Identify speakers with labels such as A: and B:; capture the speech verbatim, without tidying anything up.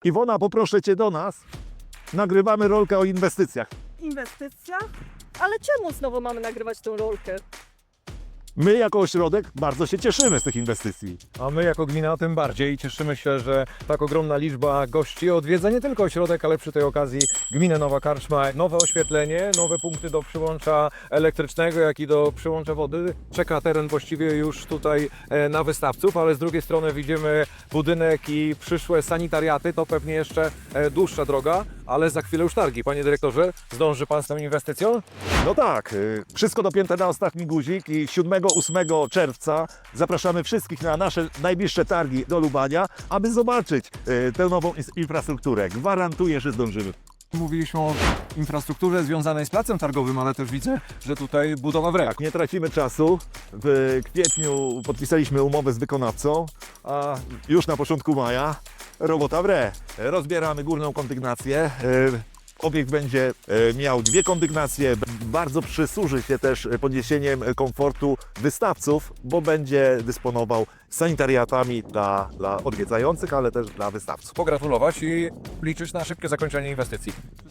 A: Iwona, poproszę Cię do nas. Nagrywamy rolkę o inwestycjach.
B: Inwestycja? Ale czemu znowu mamy nagrywać tę rolkę?
A: My jako ośrodek bardzo się cieszymy z tych inwestycji.
C: A my jako gmina tym bardziej cieszymy się, że tak ogromna liczba gości odwiedza nie tylko ośrodek, ale przy tej okazji gminę Nowa Karczma, nowe oświetlenie, nowe punkty do przyłącza elektrycznego, jak i do przyłącza wody. Czeka teren właściwie już tutaj e, na wystawców, ale z drugiej strony widzimy budynek i przyszłe sanitariaty, to pewnie jeszcze e, dłuższa droga, ale za chwilę już targi. Panie dyrektorze, zdąży Pan z tą inwestycją?
A: No tak, y, wszystko dopięte na ostatni guzik i siódmego ósmego czerwca zapraszamy wszystkich na nasze najbliższe targi do Lubania, aby zobaczyć y, tę nową ins- infrastrukturę. Gwarantuję, że zdążymy.
C: Mówiliśmy o infrastrukturze związanej z placem targowym, ale też widzę, że tutaj budowa w ręku.
A: Tak, nie tracimy czasu. W kwietniu podpisaliśmy umowę z wykonawcą, a już na początku maja robota w re. Rozbieramy górną kondygnację. y, Obiekt będzie e, miał dwie kondygnacje, b- bardzo przysłuży się też e, podniesieniem e, komfortu wystawców, bo będzie dysponował sanitariatami dla, dla odwiedzających, ale też dla wystawców.
C: Pogratulować i liczyć na szybkie zakończenie inwestycji.